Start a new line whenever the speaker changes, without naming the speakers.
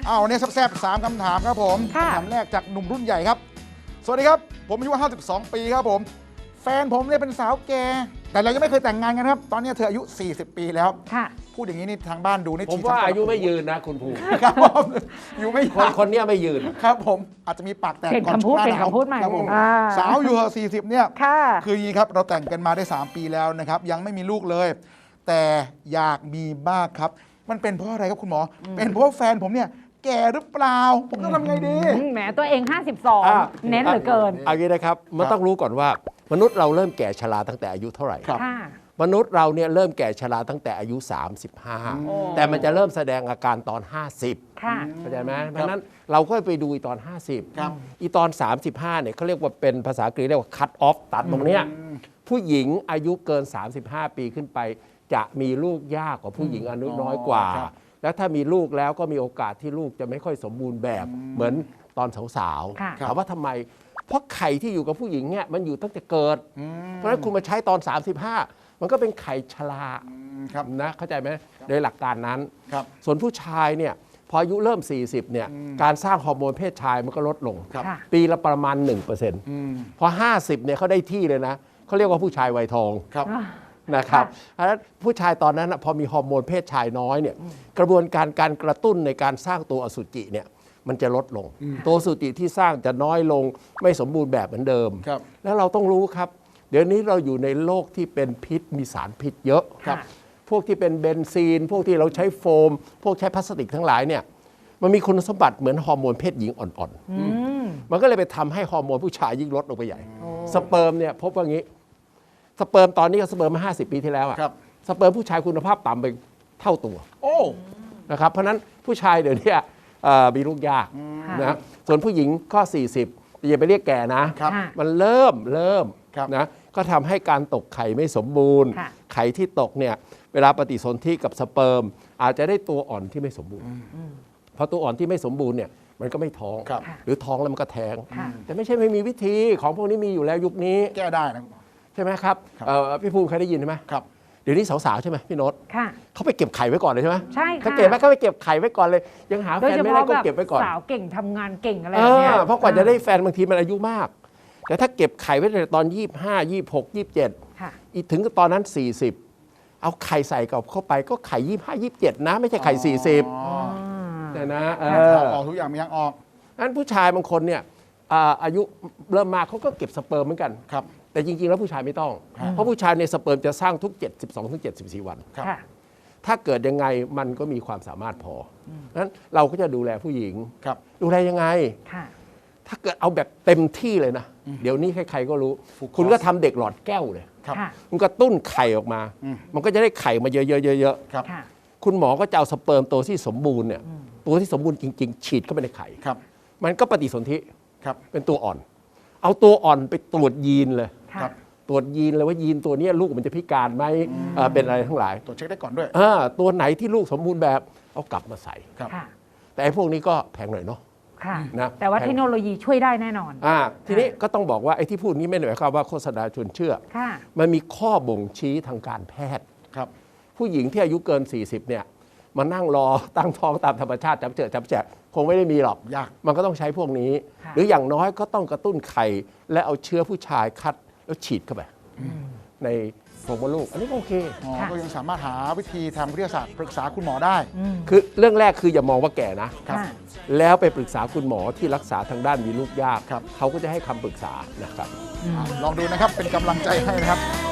วันนี้แซ่บๆ3คำถามครับผมคำถามแรกจากหนุ่มรุ่นใหญ่ครับสวัสดีครับผมอายุ52 ปีครับผมแฟนผมเนี่ยเป็นสาวแก่แต่เรายังไม่เคยแต่งงานกันครับตอนนี้เธออายุ40 ปีแล้วพูดอย่างนี้นี่ทางบ้านดูนี่
ผมว่าอายุไม่ยืนนะคุณภูมิ
ครับผมอยู่ไม่
คนนี้ไม่ยืน
ครับผมอาจจะมีปากแตกก่อน
ช่วงหน้าหนาวครับผม
สาวอยู่40เนี่ยคืออย่างนี้ครับเราแต่งกันมาได้3 ปีแล้วนะครับยังไม่มีลูกเลยแต่อยากมีบ้างครับมันเป็นเพราะอะไรครับคุณหมอเป็นเพราะแฟนผมเนี่ยแก่หรือเปล่าผมต้องทำไงดี
แหมตัวเอง52เน้นเหลือเกิน
เอางี้นะครับมันต้องรู้ก่อนว่ามนุษย์เราเริ่มแก่ชราตั้งแต่อายุเท่าไหร่มนุษย์เราเนี่ยเริ่มแก่ชราตั้งแต่อายุ35แต่มันจะเริ่มแสดงอาการตอน50เข้าใจไหมเพราะนั้นเราก็ไปดูตอน50อีตอน35เนี่ยเขาเรียกว่าเป็นภาษาอังกฤษเรียกว่า cut off ตัดตรงเนี้ยผู้หญิงอายุเกิน35 ปีขึ้นไปจะมีลูกยากกว่าผู้หญิงอายุน้อยกว่าแล้วถ้ามีลูกแล้วก็มีโอกาสที่ลูกจะไม่ค่อยสมบูรณ์แบบเหมือนตอนสาวๆถามว่าทำไมเพราะไข่ที่อยู่กับผู้หญิงเนี่ยมันอยู่ตั้งแต่เกิดเพราะฉะนั้นคุณมาใช้ตอน35มันก็เป็นไข่ชรานะเข้าใจไหมโดยหลักการนั้นส่วนผู้ชายเนี่ยพออายุเริ่ม40เนี่ยการสร้างฮอร์โมนเพศชายมันก็ลดลงปีละประมาณ 1%พอ50เนี่ยเขาได้ที่เลยนะเขาเรียกว่าผู้ชายวัยทองนะครับเพราะฉะนั้นผู้ชายตอนนั้นพอมีฮอร์โมนเพศชายน้อยเนี่ยกระบวนการกระตุ้นในการสร้างตัวอสุจิเนี่ยมันจะลดลงตัวอสุจิที่สร้างจะน้อยลงไม่สมบูรณ์แบบเหมือนเดิมแล้วเราต้องรู้ครับเดี๋ยวนี้เราอยู่ในโลกที่เป็นพิษมีสารพิษเยอะพวกที่เป็นเบนซีนพวกที่เราใช้โฟมพวกใช้พลาสติกทั้งหลายเนี่ยมันมีคุณสมบัติเหมือนฮอร์โมนเพศหญิงอ่อนๆมันก็เลยไปทำให้ฮอร์โมนผู้ชายยิ่งลดลงไปใหญ่สเปิร์มเนี่ยพบว่างี้สเปิร์มตอนนี้กับสเปิร์มมา50 ปีที่แล้วอะสเปิร์มผู้ชายคุณภาพต่ำไปเท่าตัวนะครับเพราะนั้นผู้ชายเดี๋ยวนี้มีลูกยากนะส่วนผู้หญิงก็40อย่าไปเรียกแก่นะมันเริ่มนะก็ทำให้การตกไข่ไม่สมบูรณ์ไข่ที่ตกเนี่ยเวลาปฏิสนธิกับสเปิร์มอาจจะได้ตัวอ่อนที่ไม่สมบูรณ์เพราะตัวอ่อนที่ไม่สมบูรณ์เนี่ยมันก็ไม่ท้องหรือท้องแล้วมันก็แท้งแต่ไม่ใช่ไม่มีวิธีของพวกนี้มีอยู่แล้วยุคนี้
แก้ได้นะ
ใช่ไหมครับพี่ภูมิเคยได้ยินใช่ไหม
ครับ
เดี๋ยวนี้สาวๆใช่ไหมพี่โน้ตเขาไปเก็บไข่ไว้ก่อนเลยใช่ไหม
ใช่ค่ะ
เขาเก็บไหมเขาไปเก็บไข่ไว้ก่อนเลยยังหาแฟนไม่ได้ก็เก็บไว้ก่อน
สาวเก่งทำงานเก่งอะไรแบบนี้
เพราะกว่าจะได้แฟนบางทีมันอายุมากแต่ถ้าเก็บไข่ไว้ในตอน25 26 27อีกถึงตอนนั้น40เอาไข่ใส่กับเข้าไปก็ไข่25 27นะไม่ใช่ไข่40แต่นะ
ออกทุกอย่างมีทางออก
นั้นผู้ชายบางคนเนี่ยอายุเริ่มมากเขาก็เก็บสเปิร์มเหมือนกันแต่จริงๆแล้วผู้ชายไม่ต้องเพราะผู้ชายในสเปิร์มจะสร้างทุก72-74 วันถ้าเกิดยังไงมันก็มีความสามารถพอนั้นเราก็จะดูแลผู้หญิงดูแลยังไงถ้าเกิดเอาแบบเต็มที่เลยนะเดี๋ยวนี้ใครๆก็รู้คุณก็ทำเด็กหลอดแก้วเลยคุณก็ตุ้นไข่ออกมามันก็จะได้ไข่มาเยอะๆคุณหมอก็จะเอาสเปิร์มตัวที่สมบูรณ์เนี่ยตัวที่สมบูรณ์จริงๆฉีดเข้าไปในไข่มันก็ปฏิสนธิเป็นตัวอ่อนเอาตัวอ่อนไปตรวจยีนเลยตรวจยีนเลยว่ายีนตัวนี้ลูกมันจะพิการไหมเป็นอะไรทั้งหลาย
ตรวจเช็คได้ก่อนด้วย
ตัวไหนที่ลูกสมบูรณ์แบบเอากลับมาใส่แต่ไอ้พวกนี้ก็แพงหน่อยเนาะ
นะแต่ว่าเทคโนโลยีช่วยได้แน่นอน
ทีนี้ก็ต้องบอกว่าไอ้ที่พูดนี้ไม่ได้หมายความว่าโฆษณาชวนเชื่อมันมีข้อบ่งชี้ทางการแพทย์ผู้หญิงที่อายุเกิน40เนี่ยมานั่งรอตั้งท้องตามธรรมชาติจับแจกคงไม่ได้มีหรอกยากมันก็ต้องใช้พวกนี้หรืออย่างน้อยก็ต้องกระตุ้นไข่และเอาเชื้อผู้ชายคัดแล้วฉีดเข้าไปในโพรงมดลูกอันนี้โอเค
ก็ยังสามารถหาวิธีทางวิทยาศาสตร์ปรึกษาคุณหมอได้
คือเรื่องแรกคืออย่ามองว่าแก่นะแล้วไปปรึกษาคุณหมอที่รักษาทางด้านมีลูกยากเขาก็จะให้คำปรึกษานะครับ
ลองดูนะครับเป็นกำลังใจให้นะครับ